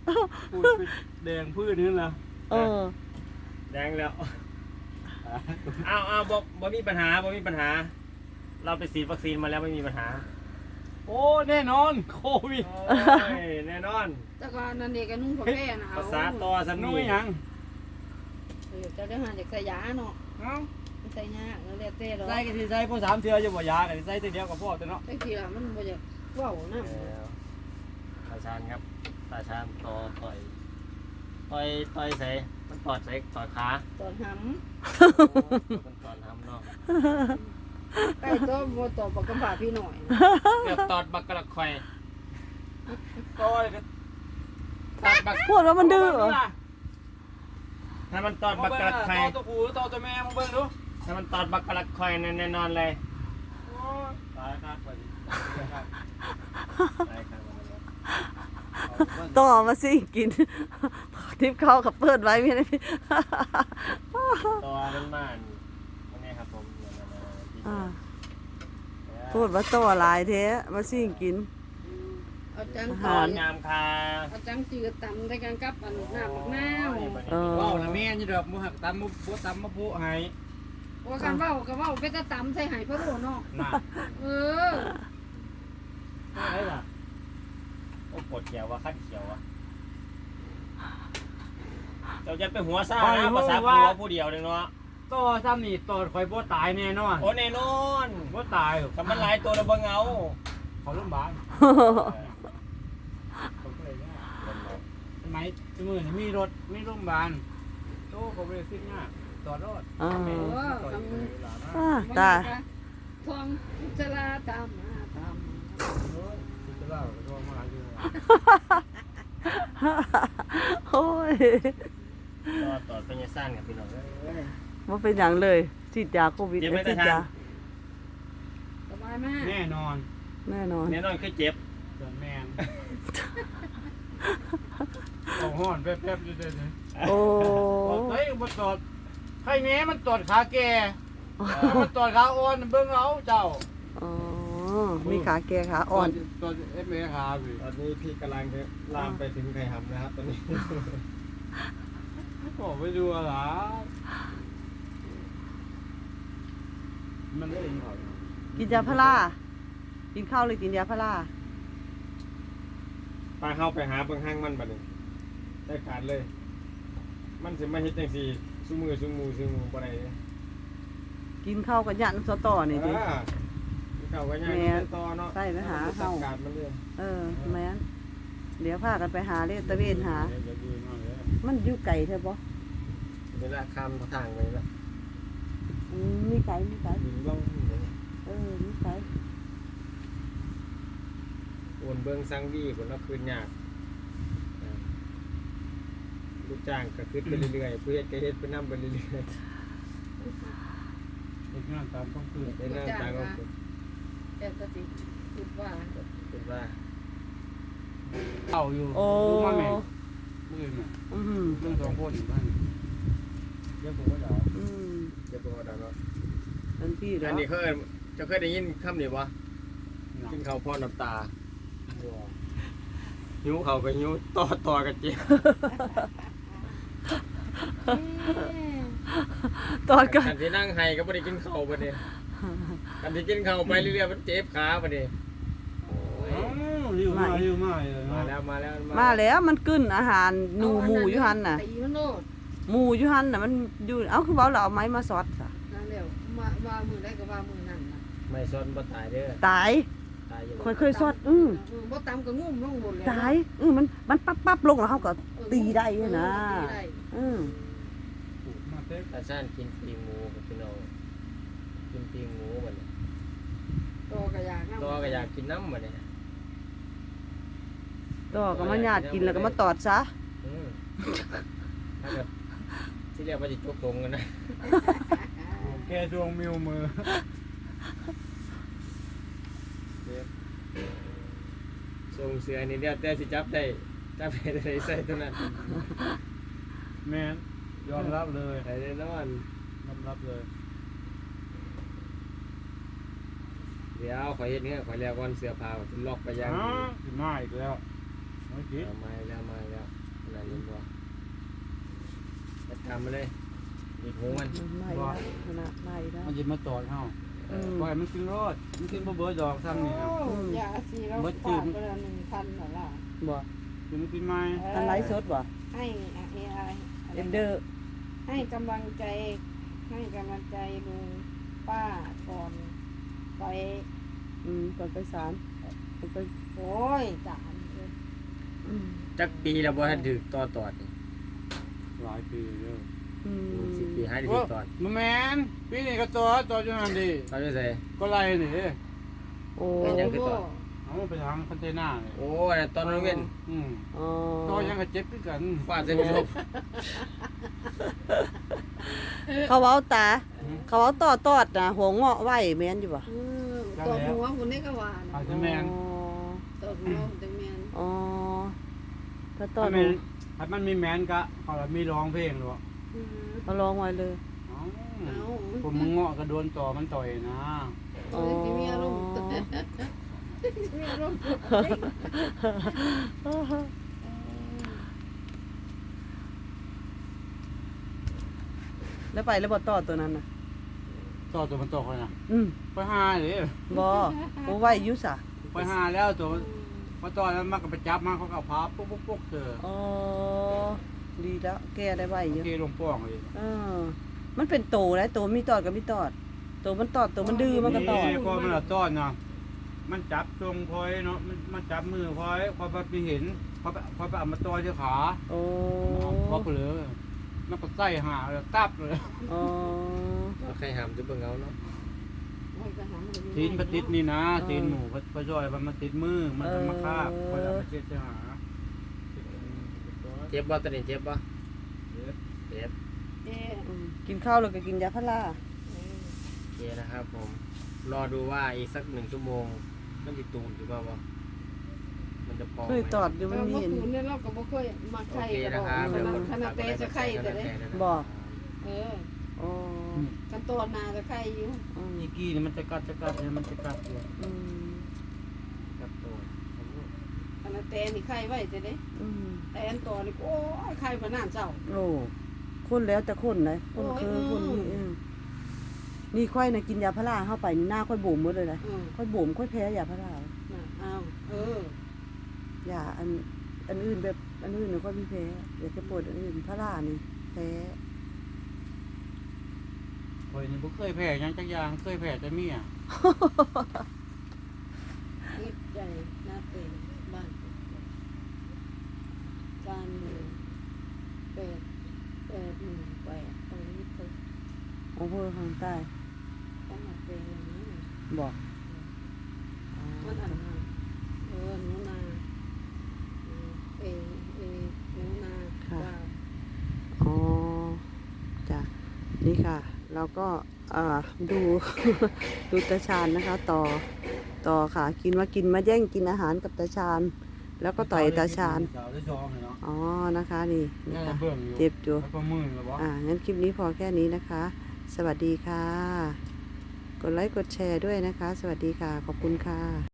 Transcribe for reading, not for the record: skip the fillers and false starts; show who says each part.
Speaker 1: พูดไปแดงพืชนี่ล่ะ
Speaker 2: แดงแล้วเอาบ่มีปัญหาเราไปฉีดวัคซีนมาแล้วไม่มีปัญหา
Speaker 1: โอ้แน่นอนโควิด
Speaker 2: แน่นอน
Speaker 3: แต่ก็นั่นเด็กก็นุ่งผ้าแพร่นะ
Speaker 2: ภาษาต่อสำนี
Speaker 1: ยัง
Speaker 3: จะได้หาจากใส่ยาเนาะใส่ยาแล้วแต่หรอ
Speaker 1: ใส่กันที่ใส่พวก3 เทื่อจะบ่ยากันใส่ตัวเดียวกับพ่อตัวเนาะ
Speaker 3: ไอ้ทีละมันบ่จะว้าวนะ
Speaker 2: ตาชานครับตาชานต่อยใส่มันตอดใส่ตอดขา
Speaker 3: ตอนหำ
Speaker 2: มันตอดหำเนาะ
Speaker 3: ใกล้ตัวบ่ตอบกับบ่าพี่หน่อย
Speaker 2: เกือบตอดบักกระข่อย
Speaker 1: ต่อย
Speaker 4: พูดว่ามันดื้อ
Speaker 2: ถ้ามันตอดบักกระข่อย
Speaker 1: ตัวผู้ตัวแม่มึงเบิ่งดู
Speaker 2: ถ้ามันตอดบักกระข่อยแน่นอนเลย
Speaker 1: ตายครับไป
Speaker 4: ต่อมาสิกินทิพเข้ากับเปิดไว้ไม่ได้
Speaker 2: ตัวเป็นม่านนี่ครับผม
Speaker 4: พูดว่าต่อลายเท้มาสิกิน
Speaker 3: เอาจัง
Speaker 2: ตอนงามคา
Speaker 3: เอาจังจืดตำได้กันกับอันน้ำบักน้
Speaker 1: ำว้าวนะแม่นี่ดอกบ่หักตำบ่ตำบ่ผู้ให้
Speaker 3: ว่ากันว้าวก็ว้าวไปตะตำใส่ไห้พะโล้เนาะ
Speaker 2: อะไรล่ะโอ้ปวดเขียวว่ะขั้นเขียวว่ะเราจะไปหัวซ่านะภาษาหัวผู้เดียวเลยเนาะ
Speaker 1: ต่อซ้ำนี่ต่อข่อยบ่ตายแน่นอน
Speaker 2: โอ้แน่นอน
Speaker 1: บ่ตาย
Speaker 2: แต่มันหลายตัวแล้วบ่เงา
Speaker 1: เขาโรงพยาบาลทำไมมือนี่มีรถมีโรงพยาบาลโตก็บ่ได้ซิกง่ายต่อรถ
Speaker 4: ตา
Speaker 3: ทองจราตามมาตาม
Speaker 4: โอ้ย
Speaker 2: ต่อเป็นยังสั้นกับพี่น้อง
Speaker 4: ว่าเป็นอย่างเลยฉีดยาโควิดฉีดยา
Speaker 3: สบายมาก
Speaker 1: แน่นอน
Speaker 2: คือเจ็บ
Speaker 1: เดินแมนเอาห่อนแป๊บๆเดิน
Speaker 4: โอ้
Speaker 1: เฮ้ยมันตอดใครแม่มันตอดขาแก่มันตอดขาอ่อนเบิ่งเอาเจ้า
Speaker 4: มีขาแก่ขาอ่อน
Speaker 1: ตอนเอฟเอขาพี่
Speaker 2: ตอนนี้พี่กำลังจะลามไปถึงไข่หำนะครับตอนนี้
Speaker 1: บอกไปดูอะไรมันได้ยินเขา
Speaker 4: กินยาพารากินข้าวเลยกินยาพารา
Speaker 2: ปลาเข้าไปหาเบิ่งห้างมันบัดนี้ได้การเลยมันสิมาเฮ็ดจังซี่ซุมือบ่ได้
Speaker 4: กินข้าวกับยันสตอนี่ดิ
Speaker 2: เขาก็ยังต่อเนาะ
Speaker 4: ใช่ไปหาเฮาแม่นเดี๋ยวพากันไปหาเลยตะเวนหามันอยู่ไกลใช่ปะ
Speaker 2: เวลาข้ามทางไปแล้ว
Speaker 4: มีไกล
Speaker 2: มี
Speaker 4: ไกล
Speaker 2: โอนเบิ้งซังดีคนละคืนยากลูกจ้างก็ขึ้นไปเรื่อยๆเพื่อจะเฮ็ดไปนำไปเรื่อย
Speaker 1: ๆเฮ็ดงานตามต้องคือ
Speaker 2: เฮ็ดงานตามต้องคือ
Speaker 3: แต่ก็สิคิดว่า
Speaker 1: เข้าอยู่รู้มาแม่มือเนี่ยเรื่อง2คนอยู่บ้านเดี๋ยวผมก็ด่า
Speaker 2: เดี๋ยวผมก็ด่าเนาะ
Speaker 4: ทันทีแล้ว
Speaker 2: อันนี้จะเคยได้ยินคำนี้บ่กินข้าวพอน้ำตาหิวข้าวก็หิวต่อกันเจ็บ
Speaker 4: ตอนกัน
Speaker 2: ที่นั่งไห้ก็บ่ได้กินข้าวบัดนี้กันที่กินข้าวไปเรื่อยๆมันเจ็บขาบัดนี้
Speaker 1: มา
Speaker 4: แล้วมันกึ้นอาหารหมูอยู่หันน่ะหมูอยู่หันน่ะมันอยู่เอาคือเบาเราเอาไม้มาซอดซะ
Speaker 3: นั่นแล้วว่ามือได้ก็ว่ามือนั่นน่ะ
Speaker 2: ไม่ซอดบ่ตายเด้อ
Speaker 4: ตายเคยซอด
Speaker 3: บ่ตามก็งุ่มลงบนแล้ว
Speaker 4: ตายมันปั๊บลงแล้วเฮาก็ตีได้นะ
Speaker 2: ตาซ่านกินปีหมูกับพี่น้องกินปีหมูบัดนี้
Speaker 3: ตัวก็
Speaker 2: อยากกินน้ำบัดนี้
Speaker 4: ต่อก็มาญาติกินแล้วก็มาตอดซะ
Speaker 2: ถ้าเกิดที่เรียกว่าจะจุกตรงกันนะ
Speaker 1: แกดวงมิวมือ
Speaker 2: ส่งเสือนี่เดียวแต่สิจับได้ใส่ตัวนั้น
Speaker 1: แม่นยอมรับเลย
Speaker 2: ใส่แน่นอน
Speaker 1: ยอมรับเลย
Speaker 2: เดี๋ยวขอเฮ็ดเนี่ยขอแล้วก่อนเสื้อผ้าล็อกไปยัง
Speaker 1: มาอีกแล้วไม่คิด
Speaker 2: มาแล้วอะไรนี่บ่จัดการมาเลยอีกหูมัน
Speaker 4: ไม่ละขนาดไม่ละ
Speaker 1: มันจะมาตอดเฮาปล่อยมันกินรอดมันกินบ่เบิดดอกซ้ำนี่นะ
Speaker 3: ยาสีเราฝากไปละ1,000หรอ
Speaker 4: บ่
Speaker 1: กินมันกินไหม
Speaker 4: อันไลฟ์สดบ่
Speaker 3: ให้อะไร
Speaker 4: เอ็นเดอร์
Speaker 3: ให้กำลังใจลุงป้าก่อนไป
Speaker 4: ก่อนไปศาลก่อนไป
Speaker 3: โอ้ยจาน
Speaker 2: จักปีแล้วบ่ทันถึกต่อตอดนี่
Speaker 1: หลายปีแล้ว
Speaker 2: 10 ปีให้ได้ถึกตอด
Speaker 1: มันแมนปีนี้ก็ตอดอยู่นั่นดิ
Speaker 2: ตอนนี้ใส่
Speaker 1: ก็ไล่นี่
Speaker 4: โอ้
Speaker 2: เป็นยังคือต่อ
Speaker 1: เอาไปทางคอนเทนเนอร์เลย
Speaker 2: โอ้ยตอนนั้นเว้น
Speaker 4: อ๋อ
Speaker 1: ตอยังก็เจ็บคือกัน
Speaker 2: ฟาดใส่ผู้ชม
Speaker 4: เขาเอาตา เขาเอาต่อตอดนะหัวเงาะไว้แม่นอยู่บ่
Speaker 3: ตัวหัวคนนี้ก็ว่า
Speaker 1: อาจจะแมน
Speaker 3: ตัวหัวจังแมน
Speaker 4: อ๋อถ้าตอ
Speaker 1: ถ้า
Speaker 4: ด
Speaker 1: แมนถ้ามันมีแมนก็เขาละมีร้องเพลงหรอ
Speaker 4: เอาลองไว้เลย
Speaker 1: ผมมึงเงาะก็โดนต่อมันต่อยนะ
Speaker 4: อ๋อ
Speaker 3: มีอารมณ์มีอารมณ์
Speaker 4: แล้วไปแล้วบ่ต่อตัวนั้นน่ะ
Speaker 1: ต่อตัวมันตกเลยนะ ไปหาเลย
Speaker 4: บ่โอ้ไว้อยู่ซะ
Speaker 1: ไปหาแล้วตัวพอต่อแล้วมันก็ไปจับมาเขาก็พับปุ๊กเจอ
Speaker 4: อ๋อดีแล้วแก้ได้ไว้อยู่
Speaker 1: เคลงป้องเลย
Speaker 4: มันเป็นโตแล้วโตมีตอดกับมีตอดโตมันตอดโตมันดื้อมันก็ตอด
Speaker 1: ก็มันละต้อนเนาะมันจับตรงพอยเนาะมันจับมือพอยพอไปเห็นพอไปเอามาต่อที่ขา
Speaker 4: โอ้
Speaker 1: พอเลยมันก็ใส่หาเลยตับเลย
Speaker 4: อ๋อ
Speaker 2: เอาใครหามจะเบิ่งเอาเนาะ
Speaker 1: ตีนมันติดนี่นะตีนหมูพอจ่อยมันติดมือมันจะมาคาบพอจะมาเช็ดจะหา
Speaker 2: เจ็บบ่ตอนนี้เจ็บบ่เจ็บ
Speaker 4: กินข้าวแล้วก็กินยาพารา
Speaker 2: โอเคนะครับผม รอดูว่าอีกสัก1 ชั่วโมงมันจะตูนหรือเปล่ามันจะพอไหม
Speaker 4: เคยตอดอยู่มันมี
Speaker 3: เมื่อ
Speaker 4: เห็น
Speaker 3: คืนเนี่ยเราก็บ่เคยมา
Speaker 2: โอ
Speaker 3: ไข่
Speaker 2: เค
Speaker 3: กัน
Speaker 2: นะครับ
Speaker 3: ขนาดเตะจะไข่แต่เด้
Speaker 4: บ่
Speaker 3: อ๋อกันตัวนาจะไข่อยู่
Speaker 1: อีกี้นี่มันจะกัดเนี่ยมันจะกัดเลย
Speaker 2: กับตัว
Speaker 3: ขนาดเตะนี่ไข่ไว้จะเด้แต่อันตัวนี่โอ้ยไข่บ่นานเจ้า
Speaker 4: โอ้คนแล้วแต่คนเลยคนคือคนนี่นี่ค่อยนะกินยาพาราเข้าไปนี่หน้าค่อยบ่มหมดเลยนะค่อยบ่มค่อยแพ้ยาพารา
Speaker 3: อ้าวย
Speaker 4: าอันอื่นแบบอันอื่นเนี่ยค่อยมีแพ้อยากจะปวดอันอื่นพารานี่แพ้
Speaker 1: คอยนี่บ่เคยแพ้ยังจักอย่างเคยแพ้แต่เมีย
Speaker 3: นิดใจหน้าเป็นบ้านจานหนึ่ง818ตรงนี้เพิ่น
Speaker 4: โอ้โหทางใต้
Speaker 3: ต้องมาเป็นอย่างนี้
Speaker 4: บอก
Speaker 3: มันอันนั้นหนูนาหนูนาว่า
Speaker 4: อ๋อจ้ะนี่ค่ะ เราก็ดู ดูตาชาญนะคะ ต่อค่ะ กินมาแย่งกินอาหารกับตาชาญแล้วก็ต่อยตาชาญ
Speaker 1: สาวได้จองเลยเนาะ
Speaker 4: อ๋อนะคะนี่
Speaker 1: แม่
Speaker 4: นะคะ
Speaker 1: เบิ่งอยู่
Speaker 4: เจ็บอยู่
Speaker 1: แล้วก็มือแล้วบ่
Speaker 4: งั้นคลิปนี้พอแค่นี้นะคะ สวัสดีค่ะ กดไลค์กดแชร์ด้วยนะคะ สวัสดีค่ะ ขอบคุณค่ะ